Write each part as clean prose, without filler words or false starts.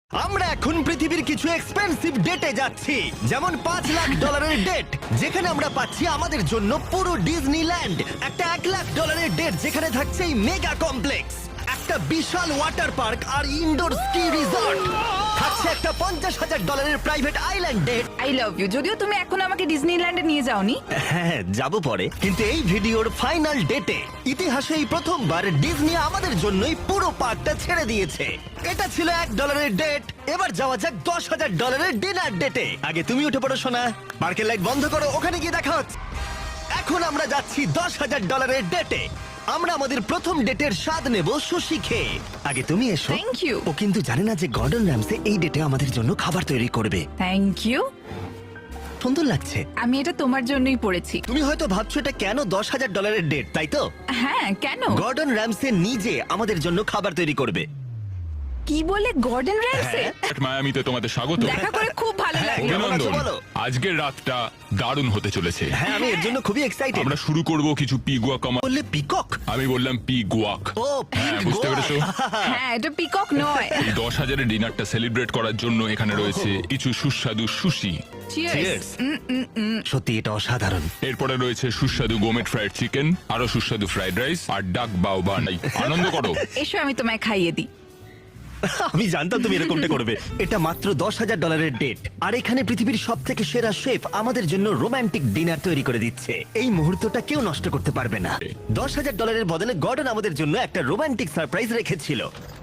আমরা এখন পৃথিবীর কিছু এক্সপেন্সিভ ডেটে যাচ্ছি, যেমন $5 লাখ ডেট, যেখানে আমরা পাচ্ছি আমাদের জন্য পুরো ডিজনিল্যান্ড। একটা $1 লাখ ডেট, যেখানে থাকছে এই মেগা কমপ্লেক্স, একটা বিশাল ওয়াটার পার্ক আর ইনডোর স্কি রিসর্ট। থাকছে একটা $50,000 private island date. I love you. যদিও তুমি এখন আমাকে ডিজনিল্যান্ডে নিয়ে যাওনি। হ্যাঁ, যাব পরে, কিন্তু এই ভিডিওর ফাইনাল ডেটে ইতিহাসে এই প্রথমবার ডিজনি আমাদের জন্যই পুরো পার্কটা ছেড়ে দিয়েছে। এটা ছিল $1 ডেট। এবার যাওয়া যাক $10,000 ডিনার ডেটে। আগে তুমি উঠে পড়ো সোনা, পার্কের লাইট বন্ধ করো, ওখানে গিয়ে দেখা হচ্ছে। এখন আমরা যাচ্ছি $10,000 ডেটে। আমরা আমাদের প্রথম ডেটের স্বাদ নেব সুশি খেয়ে। আগে তুমি এসো। Thank you. ও কিন্তু জানে না যে গর্ডন র্যামসে এই ডেটে আমাদের জন্য খাবার তৈরি করবে। Thank you. সুন্দর লাগছে। আমি এটা তোমার জন্যই পড়েছি। তুমি হয়তো ভাবছো এটা কেন $10,000 ডেট, তাই তো? হ্যাঁ, কেন? গর্ডন র্যামসে নিজে আমাদের জন্য খাবার তৈরি করবে। কি বলে গর্ডন র্যামসে? মায়ামিতে তোমাদের স্বাগত। দেখা করে খুব ভালো হ্যাঁ, লাগলো। কেমন আছো অভিনন্দন। বলো? আজকের রাতটা দারুণ হতে চলেছে। হ্যাঁ, আমি এর জন্য খুবই এক্সাইটেড। আমরা শুরু করব কিছু পিগুয়া কামা। বললে পিকক? আমি বললাম পিগুয়াক। ও, হ্যাঁ, বুঝতে গোয়া। পেরেছো? হ্যাঁ, এটা পিকক নয়। এই 10,000-এর ডিনারটা সেলিব্রেট করার জন্য এখানে রয়েছে কিছু সুস্বাদু সুশি। চিয়ার্স। Cheers. সত্যি এটা অসাধারণ। এরপরে রয়েছে সুস্বাদু গোমেট ফ্রাইড চিকেন, আরো সুস্বাদু ফ্রাইড রাইস আর ডাক বাও বানাই। আনন্দ করো। এসো আমি তোমায় খাইয়ে দিই। আমি জানতাম তুমি এরকমটা করবে। এটা মাত্র $10,000 ডেট, আর এখানে পৃথিবীর সব থেকে সেরা শেফ আমাদের জন্য রোমান্টিক ডিনার তৈরি করে দিচ্ছে। এই মুহূর্তটা কেউ নষ্ট করতে পারবে না। $10,000 বদলে গর্ডন আমাদের জন্য একটা রোমান্টিক সারপ্রাইজ রেখেছিল।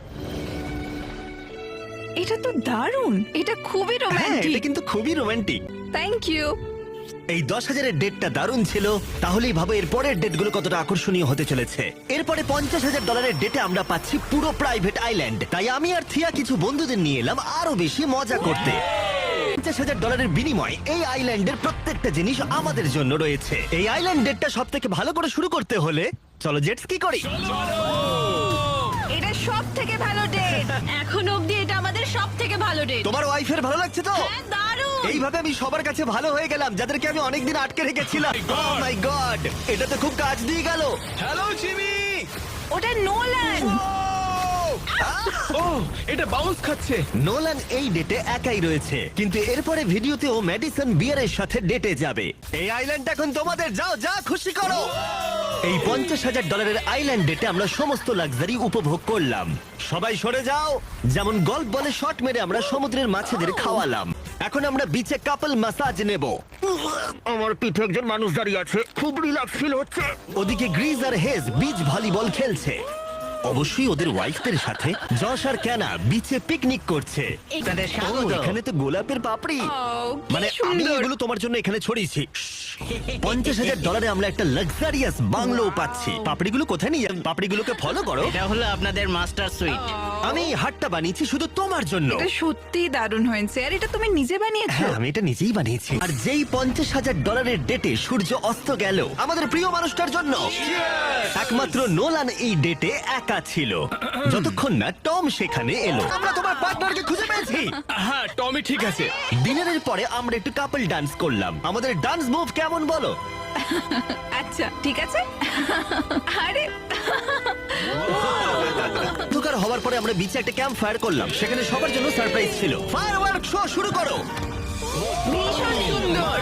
এটা তো দারুণ। এটা খুবই হ্যাঁ, এটা রোমান্টিক। কিন্তু খুবই রোমান্টিক। Thank you. এই 10,000-এর ডেটটা দারুণ ছিল। তাহলেই ভাবো এর পরের ডেটগুলো কতটা আকর্ষণীয় হতে চলেছে। এরপরে $50,000 ডেটে আমরা পাচ্ছি পুরো প্রাইভেট আইল্যান্ড। তাই আমি আর থিয়া কিছু বন্ধুদের নিয়ে এলাম আরো বেশি মজা করতে। $50,000 বিনিময়ে এই আইল্যান্ডের প্রত্যেকটা জিনিস আমাদের জন্য রয়েছে। এই আইল্যান্ড ডেটটা সব থেকে ভালো করে শুরু করতে হলে চলো জেট স্কি করি। এটা সব থেকে ভালো ডেট। এখন অবধি এটা আমাদের সব থেকে ভালো ডেট। তোমার ওয়াইফের ভালো লাগছে তো? হ্যাঁ, দারুণ। এইভাবে আমি সবার কাছে ভালো হয়ে গেলাম, যাদেরকে আমি অনেকদিন আটকে রেখেছিলাম। Oh my God! এটা তো খুব কাজ দিয়ে গেল। Hello Jimmy. ওটা নোলান। ও, এটা বাউন্স খাচ্ছে। নোলান এই ডেটে একাই রয়েছে, কিন্তু এরপরে ভিডিওতে ও ম্যাডিসন বিয়ারের সাথে ডেটে যাবে। এই আইল্যান্ড এখন তোমাদের, যাও যা খুশি করো। এই $50,000 আইল্যান্ড ডেটে আমরা সমস্ত লাক্সারি উপভোগ করলাম। সবাই সরে যাও। যেমন গল্ফ বলে শট মেরে আমরা সমুদ্রের মাছেদের খাওয়ালাম। এখন আমরা বিচে কাপল ম্যাসাজ নেব। আমার পিঠে একজন মানুষ দাঁড়িয়ে আছে, খুব রিল্যাক্স ফিল হচ্ছে। ওদিকে গ্রিজ আর হেজ বিচ ভলিবল খেলছে। অবশ্যই ওদের ওয়াইফদের সাথে। জশ আর ক্যানা বিচে পিকনিক করছে। ও, এখানে তো গোলাপের পাপড়ি। ও, কি মানে আমি সুন্দর। এগুলো তোমার জন্য এখানে ছড়িয়েছি। $50,000 আমরা একটা লাক্সারিয়াস বাংলো পাচ্ছি। পাপড়িগুলো কোথায় নিয়ে যান? পাপড়িগুলোকে ফলো করো। এটা হলো আপনাদের মাস্টার সুইট। আমি এই হাটটা বানিয়েছি শুধু তোমার জন্য। এটা সত্যি দারুণ হয়েছে। আর এটা তুমি নিজে বানিয়েছো? হ্যাঁ, আমি এটা নিজেই বানিয়েছি। আর যেই $50,000 ডেটে সূর্য অস্ত গেল আমাদের প্রিয় মানুষটার জন্য। একমাত্র নোলান এই ডেটে একা ছিল, যতক্ষণ না টম সেখানে এলো। আমরা তোমার পার্টনারকে খুঁজে পেয়েছি। হ্যাঁ, টমি ঠিক আছে। ডিনারের পরে আমরা একটু কাপল ডান্স করলাম। আমাদের ডান্স মুভ কেমন বলো? আচ্ছা, ঠিক আছে। আরে অন্ধকার হওয়ার পরে আমরা বিচে একটা ক্যাম্প ফায়ার করলাম। সেখানে সবার জন্য সারপ্রাইজ ছিল। ফায়ারওয়ার্ক শো শুরু করো। ভীষণ সুন্দর।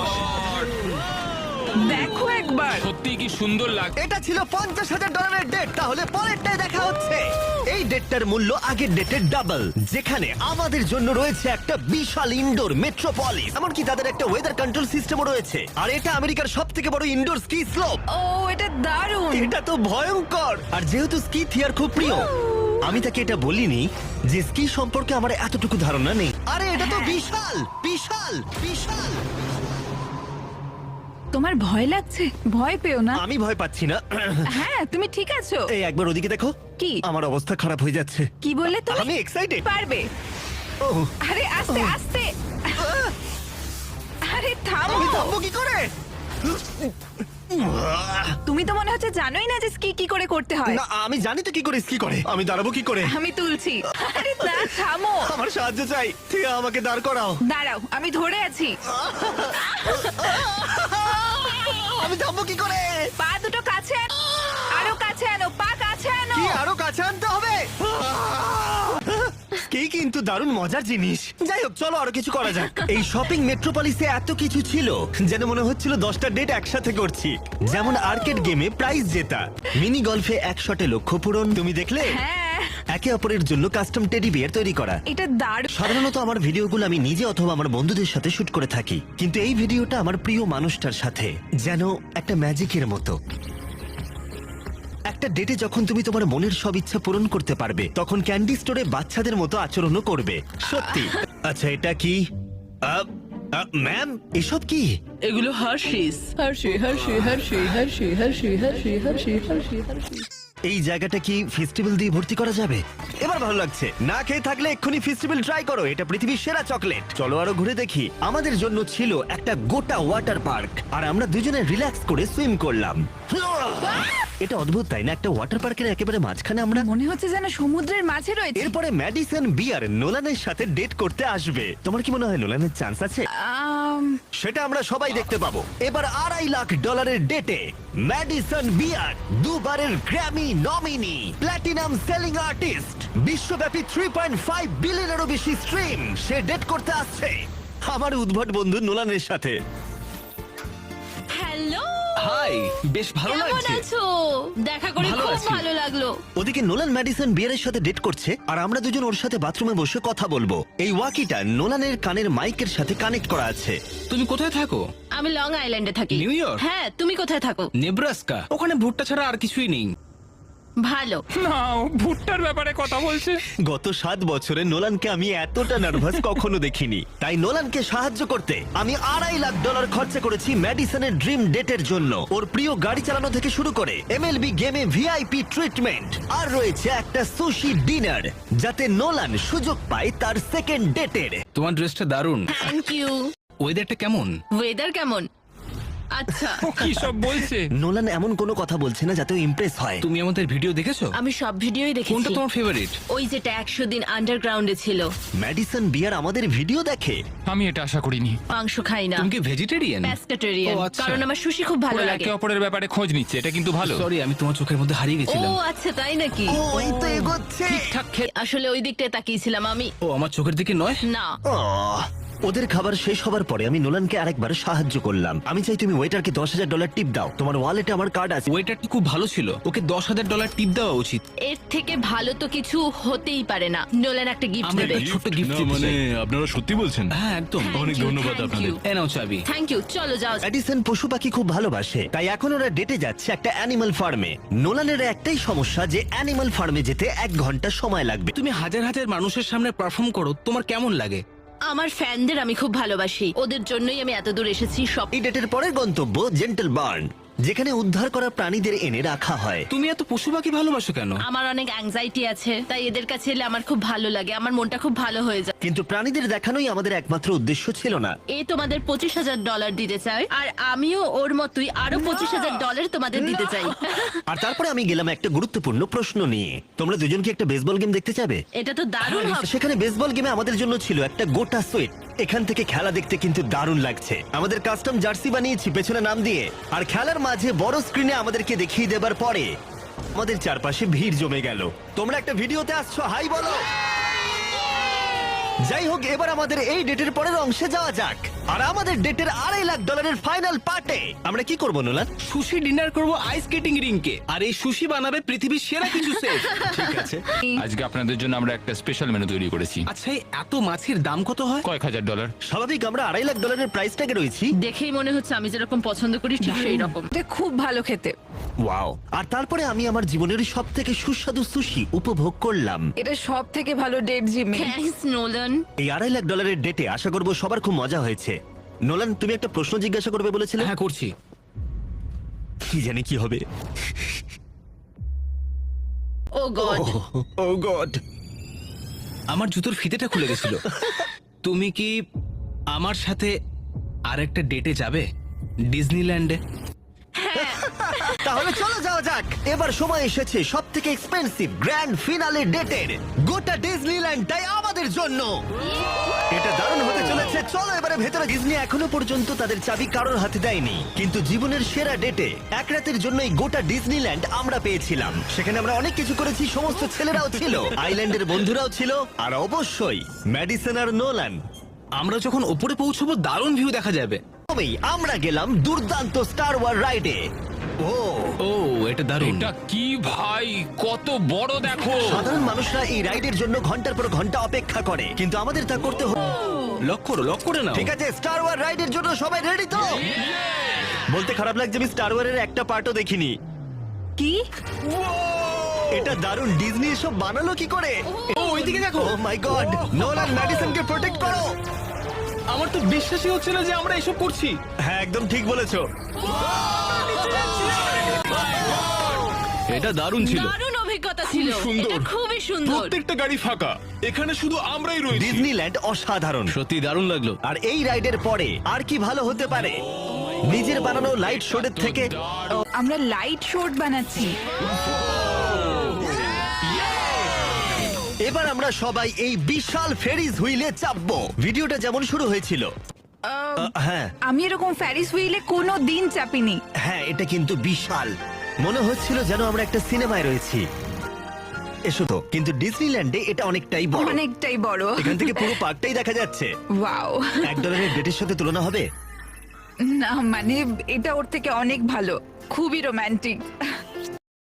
দেখো একবার। সত্যি কি সুন্দর লাগছে। এটা ছিল $50,000 ডেট। তাহলে পরেরটাই দেখা হচ্ছে। এই ডেটটার মূল্য আগের ডেটের ডাবল, যেখানে আমাদের জন্য রয়েছে একটা বিশাল ইনডোর মেট্রোপলিস। এমনকি তাদের একটা ওয়েদার কন্ট্রোল সিস্টেমও রয়েছে। আর এটা আমেরিকার সব থেকে বড় ইনডোর স্কি স্লোপ। ও, এটা দারুণ। এটা তো ভয়ঙ্কর। আর যেহেতু স্কি থিয়ার খুব প্রিয়, আমি তাকে এটা বলিনি যে স্কি সম্পর্কে আমার এতটুকু ধারণা নেই। আরে এটা তো বিশাল বিশাল বিশাল। তোমার ভয় লাগছে? ভয় পেও না। আমি ভয় পাচ্ছি না। হ্যাঁ, তুমি ঠিক আছো। এই একবার ওদিকে দেখো। কি? আমার অবস্থা খারাপ হয়ে যাচ্ছে। কি বললে তুমি? আমি এক্সাইটেড। পারবে। ও, আরে আস্তে আস্তে। আরে থামো। আমি থামবো কি করে? তুমি তো মনে হচ্ছে জানোই না যে স্কি কি করে করতে হয়। না, আমি জানি তো কি করে স্কি করে। আমি দাঁড়াবো কি করে? আমি তুলছি। আরে না, থামো। আমার সাহায্য চাই। ঠিক আমাকে দাঁড় করাও। দাঁড়াও, আমি ধরে আছি। আমি থামবো কি করে? পা দুটো কাছে আনো। আরো কাছে আনো, পা কাছে আনো। কি আরো কাছে আনতে হবে? কি কিন্তু দারুণ মজার জিনিস। যাই হোক, চলো আরো কিছু করা যাক। এই শপিং মেট্রোপলিসে এত কিছু ছিল যেন মনে হচ্ছিল 10টা ডেট একসাথে করছি। যেমন আর্কেড গেমে প্রাইজ জেতা, মিনি গলফে 1 শটে লক্ষ্য পূরণ, তুমি দেখলে? হ্যাঁ, একে অপরের জন্য কাস্টম টেডি বিয়ার তৈরি করা। এটা দারুণ। সাধারণত আমার ভিডিওগুলো আমি নিজে অথবা আমার বন্ধুদের সাথে শুট করে থাকি, কিন্তু এই ভিডিওটা আমার প্রিয় মানুষটার সাথে, যেন একটা ম্যাজিকের মতো। একটা ডেটে যখন তুমি তোমার মনের সব ইচ্ছা পূরণ করতে পারবে, তখন ক্যান্ডি স্টোরে বাচ্চাদের মতো আচরণও করবে। সত্যি। আচ্ছা, এটা কি? ম্যাম, এসব কি? এগুলো Hershey's. Hershey Hershey Hershey Hershey Hershey Hershey Hershey Hershey Hershey. এই জায়গাটা কি ফেস্টিভ্যাল দিয়ে ভর্তি করা যাবে? এবার ভালো লাগছে। না খেয়ে থাকলে এক্ষুনি ফেস্টিভ্যাল ট্রাই করো, এটা পৃথিবীর সেরা চকলেট। চলো আরো ঘুরে দেখি। আমাদের জন্য ছিল একটা গোটা ওয়াটার পার্ক, আর আমরা দুজনে রিল্যাক্স করে সুইম করলাম। এটা অদ্ভুত, তাই না? একটা ওয়াটার পার্কের একেবারে মাঝখানে আমরা। মনে হচ্ছে যেন সমুদ্রের মাঝে রয়েছে। এরপরে ম্যাডিসন বিয়ার নোলানের সাথে ডেট করতে আসবে। তোমার কি মনে হয় নোলানের চান্স আছে? সেটা আমরা সবাই দেখতে পাবো। এবার $2.5 লাখ ডেটে ম্যাডিসন বিয়ার, দুবারের Grammy nominee, platinum selling artist, বিশ্বব্যাপী 3.5 বিলিয়নেরও বেশি স্ট্রিম, সে ডেট করতে আসছে আমার উদ্ভট বন্ধু নোলানের সাথে। হ্যালো হাই, বেশ ভালো কেমন লাগছে। আছো? দেখা করে ভালো খুব আছি। ভালো লাগলো। ওদিকে নোলান ম্যাডিসন বিয়ারের সাথে ডেট করছে, আর আমরা দুজন ওর সাথে বাথরুমে বসে কথা বলবো। এই ওয়াকিটা নোলানের কানের মাইকের সাথে কানেক্ট করা আছে। তুমি কোথায় থাকো? আমি লং আইল্যান্ডে থাকি। New York? হ্যাঁ, তুমি কোথায় থাকো? নেব্রাস্কা। ওখানে ভুট্টা ছাড়া আর কিছুই নেই। ভালো। না, ও ভুট্টার ব্যাপারে কথা বলছে। গত 7 বছরে নোলানকে আমি এতটা নার্ভাস কখনো দেখিনি। তাই নোলানকে সাহায্য করতে আমি $2.5 লাখ খরচা করেছি ম্যাডিসনের ড্রিম ডেটের জন্য। ওর প্রিয় গাড়ি চালানো থেকে শুরু করে এমএলবি গেমে ভিআইপি ট্রিটমেন্ট, আর রয়েছে একটা সুশি ডিনার, যাতে নোলান সুযোগ পায় তার সেকেন্ড ডেটের। তোমার ড্রেসটা দারুণ। Thank you. ওয়েদারটা কেমন? ওয়েদার কেমন? আচ্ছা, ও কি সব বলছে? নোলান এমন কোনো কথা বলছে না যাতে ইমপ্রেস হয়। তুমি আমাদের ভিডিও দেখেছো? আমি সব ভিডিওই কোনটা দেখেছি। তোমার ফেভারিট? ওই যেটা 100 দিন আন্ডারগ্রাউন্ডে ছিল। ম্যাডিসন বিয়ার আমাদের ভিডিও দেখে। আমি এটা আশা করিনি। মাংস খাই না, তুমি কি ভেজিটেরিয়ান? প্যাস্কেটেরিয়ান, ও, আচ্ছা। কারণ আমার সুশি খুব ভালো ওরা লাগে। একে অপরের ব্যাপারে খোঁজ নিচ্ছে, এটা কিন্তু ভালো। সরি, আমি তোমার চোখের মধ্যে হারিয়ে ও গেছিলাম। আচ্ছা, তাই নাকি? ওই তো এগোচ্ছে। ঠিকঠাক খেয়ে। আসলে ওই দিকটায় তাকিয়েছিলাম আমি। ও আমার চোখের দিকে নয়। না, আহ, ওদের খাবার শেষ হবার পরে আমি নোলানকে আরেকবার সাহায্য করলাম। আমি চাই তুমি ওয়েটারকে $10,000 টিপ দাও। তোমার ওয়ালেটে আমার কার্ড আছে। ওয়েটারটা খুব ভালো ছিল, ওকে $10,000 টিপ দেওয়া উচিত। এর থেকে ভালো তো কিছু হতেই পারে না। নোলান একটা গিফট আমরা দেবে। একটা ছোট্ট গিফট দিতে মানে চাই। আপনারা সত্যি বলছেন? হ্যাঁ, একদম। অনেক ধন্যবাদ আপনাদের। এ নাও চাবি। Thank you. চলো যাও। এডিসন পশু পাখি খুব ভালোবাসে, তাই এখন ওরা ডেটে যাচ্ছে একটা অ্যানিমাল ফার্মে। নোলানের একটাই সমস্যা যে অ্যানিমাল ফার্মে যেতে 1 ঘন্টা সময় লাগবে। তুমি হাজার হাজার মানুষের সামনে পারফর্ম করো, তোমার কেমন লাগে? আমার ফ্যানদের আমি খুব ভালোবাসি, ওদের জন্যই আমি এত দূর এসেছি। সব এই ডেটের পরের গন্তব্য জেন্টল বার্ন, যেখানে উদ্ধার করা প্রাণীদের এনে রাখা হয়। তুমি এত পশু পাখি ভালোবাসো কেন? আমার অনেক অ্যাংজাইটি আছে, তাই এদের কাছে এলে আমার খুব ভালো লাগে, আমার মনটা খুব ভালো হয়ে যায়। কিন্তু প্রাণীদের দেখানোই আমাদের একমাত্র উদ্দেশ্য ছিল না। এ তোমাদের $25,000 দিতে চাই, আর আমিও ওর মতোই আরো $25,000 তোমাদের দিতে চাই। আর তারপরে আমি গেলাম একটা গুরুত্বপূর্ণ প্রশ্ন নিয়ে। তোমরা দুজন কি একটা বেসবল গেম দেখতে চাবে? এটা তো দারুণ হবে। সেখানে বেসবল গেমে আমাদের জন্য ছিল একটা গোটা সুইট। এখান থেকে খেলা দেখতে কিন্তু দারুণ লাগছে। আমাদের কাস্টম জার্সি বানিয়েছি পেছনে নাম দিয়ে, আর খেলার মাঝে বড় স্ক্রিনে আমাদেরকে দেখিয়ে দেবার পরে আমাদের চারপাশে ভিড় জমে গেল। তোমরা একটা ভিডিওতে আসছো, হাই বলো। যাই হোক, এবার আমাদের এই ডেটের পরের অংশে যাওয়া যাক। আর আমাদের ডেটের $2.5 লাখ ফাইনাল পার্টে আমরা কি করবো নোলান? সুশি ডিনার করব আইস স্কেটিং রিংকে, আর এই সুশি বানাবে পৃথিবীর সেরা কিছু শেফ। ঠিক আছে। আজকে আপনাদের জন্য আমরা একটা স্পেশাল মেনু তৈরি করেছি। আচ্ছা, এই এত মাছের দাম কত হয়? কয়েক হাজার ডলার। স্বাভাবিক, আমরা $2.5 লাখ প্রাইস ট্যাগে রয়েছি। দেখেই মনে হচ্ছে আমি যেরকম পছন্দ করি ঠিক সেই রকম। এটা খুব ভালো খেতে। ওয়াও। আর তারপরে আমি আমার জীবনের সব থেকে সুস্বাদু সুশি উপভোগ করলাম। এটা সব থেকে ভালো ডেট, জিমি। Thanks Nolan. এই $2.5 লাখ ডেটে আশা করবো সবার খুব মজা হয়েছে। নোলান, তুমি একটা প্রশ্ন জিজ্ঞাসা করবে বলেছিলে। হ্যাঁ, করছি। কি জানি কি হবে। Oh God. Oh God. আমার জুতোর ফিতেটা খুলে গেছিল। তুমি কি আমার সাথে আরেকটা ডেটে যাবে ডিজনিল্যান্ডে? তাহলে চলো যাওয়া যাক। এবার সময় এসেছে সব থেকে এক্সপেন্সিভ গ্র্যান্ড ফিনালে ডেটের। গোটা ডিজনিল্যান্ডটাই আমাদের জন্য। এটা দারুণ হতে চলেছে। চলো এবারে ভেতরে। ডিজনি এখনো পর্যন্ত তাদের চাবি কারোর হাতে দেয়নি, কিন্তু জীবনের সেরা ডেটে এক রাতের জন্য এই গোটা ডিজনিল্যান্ড আমরা পেয়েছিলাম। সেখানে আমরা অনেক কিছু করেছি, সমস্ত ছেলেরাও ছিল, আইল্যান্ডের বন্ধুরাও ছিল, আর অবশ্যই ম্যাডিসন আর নোলান। আমরা যখন ওপরে পৌঁছবো দারুণ ভিউ দেখা যাবে। তবেই আমরা গেলাম দুর্দান্ত স্টার ওয়ার রাইডে। ও ও এটা দারুণ। এটা কি ভাই, কত বড় দেখো। সাধারণ মানুষরা এই রাইডের জন্য ঘন্টার পর ঘন্টা অপেক্ষা করে, কিন্তু আমাদের তা করতে হলো। লক করে নাও। ঠিক আছে, স্টার ওয়ার রাইডের জন্য সবাই রেডি তো? বলতে খারাপ লাগছে, আমি স্টার ওয়ারের একটা পার্টও দেখিনি। কি? এটা দারুণ। ডিজনি এসব বানালো কি করে? ও ওইদিকে দেখো। ও মাই গড, নোলান ম্যাডিসনকে প্রোটেক্ট করো। আমার তো বিশ্বাসই হচ্ছে না যে আমরা এসব করছি। হ্যাঁ, একদম ঠিক বলেছো। এটা দারুণ ছিল। দারুণ অভিজ্ঞতা ছিল। সুন্দর। এটা খুবই সুন্দর। প্রত্যেকটা গাড়ি ফাঁকা, এখানে শুধু আমরাই রয়েছি। ডিজনিল্যান্ড অসাধারণ। সত্যি দারুণ লাগলো। আর এই রাইডের পরে আর কি ভালো হতে পারে নিজের বানানো লাইট শোডের থেকে? আমরা লাইট শোট বানাচ্ছি। এবার আমরা সবাই এই বিশাল ফেরিস হুইলে চাপবো। ভিডিওটা যেমন শুরু হয়েছিল। হ্যাঁ আমি এরকম ফ্যারিস হুইলে কোনো দিন চাপিনি। হ্যাঁ, এটা কিন্তু বিশাল। মনে হচ্ছিল যেন আমরা একটা সিনেমায় রয়েছি। এসো তো, কিন্তু ডিজনিল্যান্ডে এটা অনেকটাই বড়। অনেকটাই বড়। এখান থেকে পুরো পার্কটাই দেখা যাচ্ছে। ওয়াও। $1 ডেটের সাথে তুলনা হবে? না মানে এটা ওর থেকে অনেক ভালো, খুবই রোমান্টিক।